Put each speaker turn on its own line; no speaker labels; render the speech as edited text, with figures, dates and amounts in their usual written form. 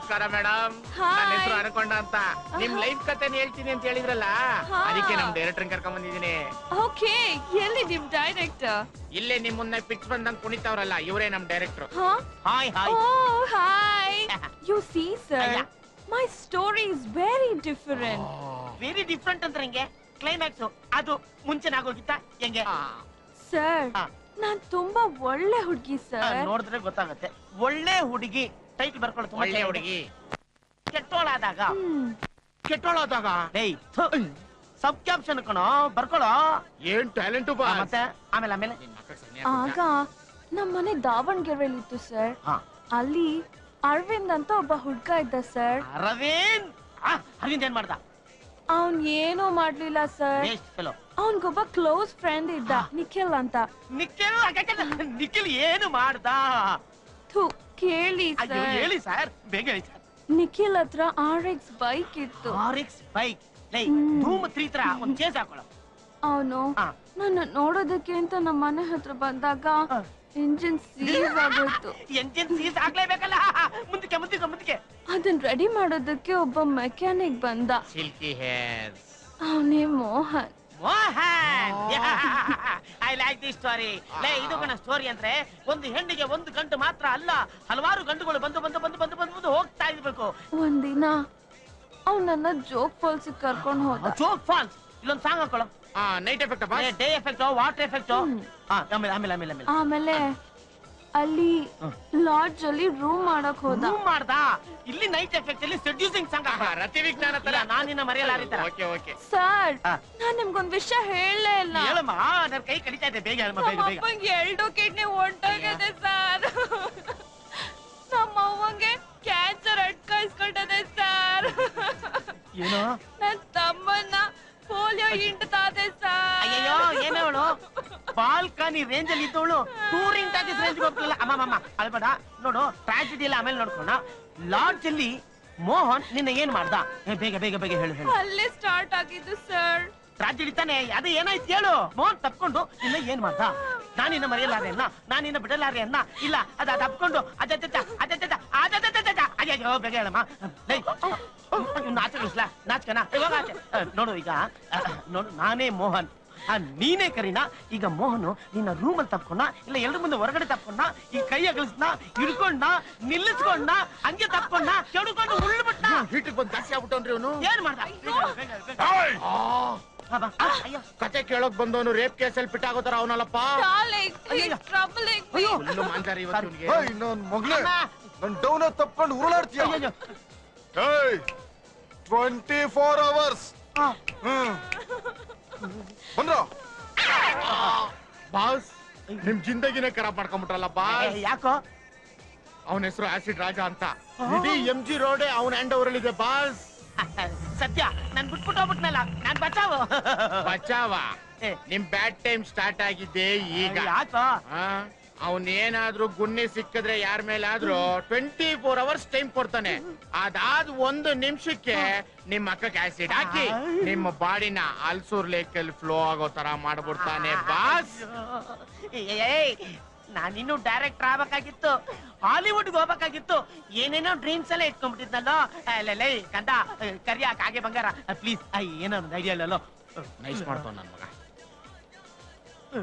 ನಮಸ್ಕಾರ ಮೇಡಮ್. ನನ್ನ ಹೆಸರು ಅನ್ಕೊಂಡ ಅಂತ. ನಿಮ್ ಲೈಫ್ ಕಥೆನ ಹೇಳ್ತೀನಿ ಅಂತ ಹೇಳಿದ್ರಲ್ಲ, ಅದಕ್ಕೆ ನಮ್ ಡೈರೆಕ್ಟರ್ ಕರ್ಕೊಂಡ್ ಬಂದಿದ್ದೀನಿ.
ಓಕೆ, ಎಲ್ಲಿ ನಿಮ್ ಡೈರೆಕ್ಟರ್?
ಇಲ್ಲೇ ನಿಮ್ ಮುನ್ನ ಪಿಕ್ಸ್ ಬಂದಂಗ್ ಕುಣಿತಾವ್ರಲ್ಲ, ಇವರೇ ನಮ್ director.
Hi hi.
Oh, hi. You see, sir, my story is very different.
Very different ಅಂದ್ರೆ ಹೆಂಗೆ? ಕ್ಲೈಮ್ಯಾಕ್ಸ್ ಅದು ಮುಂಚೆನೇ ಆಗೋಗಿತ್ತ ಹೆಂಗೆ?
ಸರ್, ನಾನ್ ತುಂಬಾ ಒಳ್ಳೆ ಹುಡುಗಿ ಸರ್.
ನೋಡಿದ್ರೆ ಗೊತ್ತಾಗುತ್ತೆ. ಒಳ್ಳೆ ಹುಡುಗಿ ಟೈಟಲ್ ಬರ್ಕೊಳ್ಳೋದು.
ಒಳ್ಳೆ ಹುಡುಗಿ
ಕೆಟ್ಟೋಳಾದಾಗ.
ಕೆಟ್ಟೋಳಾದಾಗ
ಸಬ್ ಕ್ಯಾಪ್ಷನ್ ಕಣೋ, ಬರ್ಕೊಳ್ಳೋ.
ಏನ್ ಟ್ಯಾಲೆಂಟ್ ಬಾ.
ಮತ್ತೆ ಆಮೇಲೆ ಆಮೇಲೆ
ಆಗ ನಮ್ ಮನೆ ದಾವಣಗೆರೆಯಲ್ಲಿ ಇತ್ತು ಸರ್. ಅಲ್ಲಿ ಅರವಿಂದ್ ಅಂತ ಒಬ್ಬ ಹುಡ್ಗ ಇದ್ದ ಸರ್.
ಅರವಿಂದ್ ಏನ್ ಮಾಡ್ದ?
ಅವನ್ ಏನೂ ಮಾಡ್ಲಿಲ್ಲ ಸರ್. ಅವನ್ಗೊಬ್ಬ ಕ್ಲೋಸ್ ಫ್ರೆಂಡ್ ಇದ್ದ, ನಿಖಿಲ್ ಅಂತ.
ನಿಖಿಲ್ ಏನು ಮಾಡ್ದ?
ಕೇಳಿ
ಹೇಳಿ ಸರ್, ಬೇಗ ಹೇಳಿ ಸರ್.
ನಿಖಿಲ್ ಹತ್ರ RX ಬೈಕ್ ಇತ್ತು.
RX ಬೈಕ್ ಧೂಮ್ 3 ತರ ಒಂದ್ ಚೇಸ್ ಹಾಕೊಳ್ಳೋ.
ಅವನು ನನ್ನ ನೋಡೋದಕ್ಕೆ ಅಂತ ನಮ್ಮ ಮನೆ ಹತ್ರ ಬಂದಾಗ ಎಂಜಿನ್ ಸೀಸ್ ಆಗೋಯ್ತು.
ಎಂಜಿನ್ ಸೀಸ್ ಆಗ್ಲೇಬೇಕಲ್ಲ. ಮುಂದಕ್ಕೆ ಮುಂದಕ್ಕೆ ಮುಂದಕ್ಕೆ
ಅದನ್ನ ರೆಡಿ ಮಾಡೋದಕ್ಕೆ ಒಬ್ಬ ಮೆಕ್ಯಾನಿಕ್ ಬಂದ.
Silky hairs.
ಅವನೇ Mohan.
I like this story. ಇದು ಕಣ ಸ್ಟೋರಿ ಅಂದ್ರೆ, ಒಂದು ಹೆಣ್ಣಿಗೆ ಒಂದು ಗಂಟು ಮಾತ್ರ ಅಲ್ಲ, ಹಲವಾರು ಗಂಟುಗಳು ಬಂದು ಬಂದು ಬಂದು ಬಂದು ಬಂದು ಹೋಗ್ತಾ ಇರ್ಬೇಕು.
ಒಂದಿನ ಅವನನ್ನ ಜೋಗ್ ಫಾಲ್ಸ್ ಕರ್ಕೊಂಡು ಹೋದ.
ಜೋಗ್ ಫಾಲ್ಸ್ ಇಲ್ಲೊಂದು ಸಾಂಗ್ ಹಾಕೊಳ್ಳೋ.
Night effect,
day effect, water effect.
ಆಮೇಲೆ ಅಲ್ಲಿ ಲಾಡ್ಜ್ ಅಲ್ಲಿ ರೂಮ್ ಮಾಡಕ್ ಹೋದ.
ರೂಮ್ ಮಾಡ್ದ. ಇಲ್ಲಿ ನೈಟ್ ಎಫೆಕ್ಟ್ ಅಲ್ಲಿ ಸೆಡ್ಯೂಸಿಂಗ್ ಸಾಂಗ್.
ರತಿ ವಿಜ್ಞಾನ ತರ.
ನಾನಿನ್ನ ಮರೆಯಲಾರಿತ.
ಸರ್, ನಾನ್ ನಿಮ್ಗೊಂದ್ ವಿಷಯ ಹೇಳಲೇ ಇಲ್ಲ.
ಹೇಳಮ್ಮ, ನನ್ನ ಕೈ ಕಡಿತಾ ಇದೆ. ಬೇಗ ಹೇಳಮ್ಮ, ಬೇಗ ಬೇಗ.
ನಮ್ಮಪ್ಪಂಗೆ 2 ಕಿಡ್ನಿ ಹೊಂಟೋಗಿದೆ ಸರ್. ನಮ್ಮ ಅವ್ವಂಗೆ ಕ್ಯಾನ್ಸರ್ ಅಟ್ಕಾಯಿಸ್ಕೊಂಡದೆ ಸರ್.
ಏನೋ?
ನನ್ ತಮ್ಮನ್ನ ಪೋಲಿಯೋ ಹಿಂಡ್ತಾದೆ ಸರ್.
ಅಯ್ಯೋ, ಏನೇವಳು ಬಾಲ್ಕನಿ ರೇಂಜ್ ಅಲ್ಲಿ ಇದ್ದವಳು ಟೂರಿಂಗ್ ಟಾಕೀಸ್ ರೇಂಜ್ ಹೋಗ್ತಿಲ್ಲ. ಅಮ್ಮಮ್ಮ ಅಲ್ಬೇಡ, ನೋಡು ಟ್ರಾಜಿಡಿ ಎಲ್ಲ ಆಮೇಲೆ ನೋಡ್ಕೋಣ. ಲಾಡ್ಜ್ ಅಲ್ಲಿ ಮೋಹನ್ ನಿನ್ನ ಏನ್ ಮಾಡ್ದ? ಬೇಗ ಬೇಗ ಬೇಗ ಹೇಳು ಹೇಳು.
ಅಲ್ಲೇ ಸ್ಟಾರ್ಟ್ ಆಗಿದ್ದು ಸರ್.
ಟ್ರಾಜಿಡಿ ತಾನೆ, ಅದು ಏನಾಯ್ತು ಹೇಳು. ಮೋಹನ್ ತಪ್ಕೊಂಡು ನಿನ್ನ ಏನ್ ಮಾಡ್ದ? ನಾನಿನ್ನ ಮರೆಯಲಾರೆ ಅನ್ನ, ನಾನಿನ್ನ ಬಿಡಲಾರೆ ಅನ್ನ. ಇಲ್ಲ ಅದ ತಪ್ಕೊಂಡು ಅಯ್ಯೋ, ಬೇಗ ಹೇಳಮ್ಮ. ನಾಚಗಳಿಸ್ಲಾ? ನಾಚ್ಕನ ನೋಡು. ಈಗ ನೋಡು, ನಾನೇ ಮೋಹನ್, ನೀನೇ ಕರೀನಾ. ಈಗ ಮೋಹನು ನಿನ್ನ ರೂಮಲ್ಲಿ ತಪ್ಕೊಂಡ, ಇಲ್ಲ ಎಲ್ರ ಮುಂದೆ ಹೊರಗಡೆ ತಪ್ಕೊಂಡ, ಈ ಕೈ ಅಗಲಿಸ್ನ, ಹಿಡ್ಕೊಂಡ, ನಿಲ್ಲಿಸ್ಕೊಂಡ, ಹಂಗೆ ತಪ್ಕೊಂಡ, ಕೆಡ್ಕೊಂಡು ಉಳ್ಬಿಟ್ಟ.
ಹೀಟಿಗೆ ಬಂದು ಜಾಸ್ತಿ ಆಗ್ಬಿಟ್ಟನ್ರಿ ಅವನು.
ಏನ್ ಮಾಡ್ದ?
ಕತೆ ಕೇಳೋಕ್ ಬಂದವನು ರೇಪ್ ಕೇಸಲ್ಲಿ ಪಿಟ್ಟಾಗೋತಾರ ಅವನಲ್ಲಪ್ಪ.
ನನ್ ಡೌನ್ ತಪ್ಕೊಂಡು ಉರುಳಾಡ್ತೀಯ. 24 hours ಬಂದ್ರ
ಬಾಸ್. ನಿಮ್ ಜಿಂದಗಿನೇ ಖರಾಬ್ ಮಾಡ್ಕೊಂಡ್ಬಿಟ್ರಲ್ಲ ಬಾಸ್.
ಯಾಕೋ?
ಅವನ ಹೆಸರು ಆಸಿಡ್ ರಾಜ ಅಂತ. ಇಡೀ MG ರೋಡ್ ಅವನ ಹ್ಯಾಂಡ್ ಓವರ್ ಇದೆ ಬಾಸ್.
ಸತ್ಯ, ನನ್ ಬಿಟ್ಬಿಟ್ಟು ಹೋಗ್ಬಿಟ್ನಲ್ಲ, ನಾನ್ ಬಚಾವ.
ಬಚಾವ? ನಿಮ್ ಬ್ಯಾಡ್ ಟೈಮ್ ಸ್ಟಾರ್ಟ್ ಆಗಿದ್ದೆ ಈಗ.
ಯಾಕೋ?
ಅವನೇನಾದ್ರೂ ಗುನ್ನೆ ಸಿಕ್ಕಿದ್ರೆ ಯಾರ ಮೇಲಾದ್ರೂ 24 hours ಟೈಮ್ ಕೊಡ್ತಾನೆ. ಅದಾದ್ 1 ನಿಮಿಷಕ್ಕೆ ನಿಮ್ಮ ಅಕ್ಕಕ್ಕೆ ಆಸಿಡ್ ಹಾಕಿ ನಿಮ್ಮ ಬಾಡಿನ ಅಲ್ಸೂರ್ ಲೇಕಲ್ಲಿ ಫ್ಲೋ ಆಗೋ ತರ ಮಾಡ್ಬಿಡ್ತಾನೆ ಬಾಸ್.
ನಾನಿನ್ನು ಡೈರೆಕ್ಟರ್ ಆಗ್ಬೇಕಾಗಿತ್ತು, ಹಾಲಿವುಡ್ಗೆ ಹೋಗ್ಬೇಕಾಗಿತ್ತು. ಏನೇನೋ ಡ್ರೀಮ್ಸ್ ಎಲ್ಲ ಇಟ್ಕೊಂಡ್ಬಿಟ್ಟಿದ್ನಲ್ಲೋ. ಕಂದ ಕರಿಯಾಕ ಹಾಗೆ ಬಂಗಾರ ಪ್ಲೀಸ್. ಏನಾದ್ರು ಐಡಿಯಾ ಇಲ್ಲಲ್ಲೋ.
ನೈಸ್ ಮಾಡ್ತಾವ ನನ್ ಮಗ.